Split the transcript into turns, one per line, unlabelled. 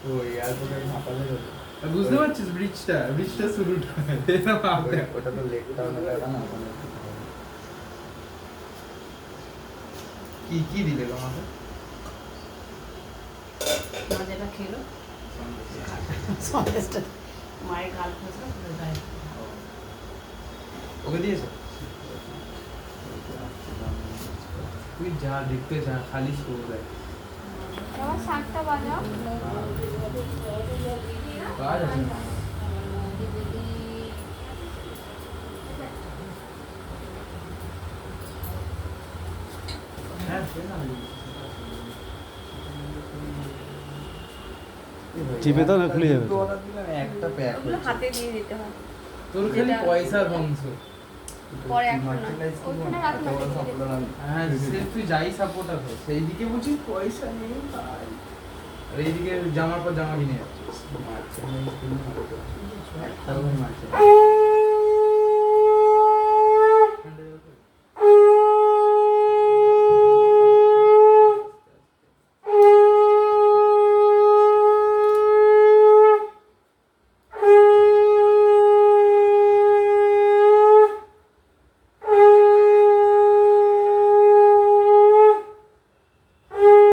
ও এয়ারপোর্টের মাথায়
বুঝতে পারছিস ব্রিজটা শুরুটা
ওটা তো লেক টাউনের জায়গা না ওখানে
কি দিলে তোমাকে
মা যেটা খেলো সন্দেশটা মায়ের গাল ফসলো পুরো গায়ে
ওকে দিয়েছো তুই যা দেখতে যা খালি শো দেয়
বাবা শাকটা বাজাও
কাজ আছে না। হ্যাঁ সে না
চিপে দাও না খুলে যাবে
দুটো অর্ডার দিলাম একটা প্যাক
ওগুলো হাতে দিয়ে দিতে হয়
তোর খালি পয়সার বংশ
পরে এখন না ওখানে রাখো না
হ্যাঁ সে তুই যাই সাপোর্টার হয় সেই দিকে বলছিস পয়সা নেই ভাই আর এইদিকে জামার পর জামা কিনে যাচ্ছিস
মার্চেন্ট একটা মার্চেন্ট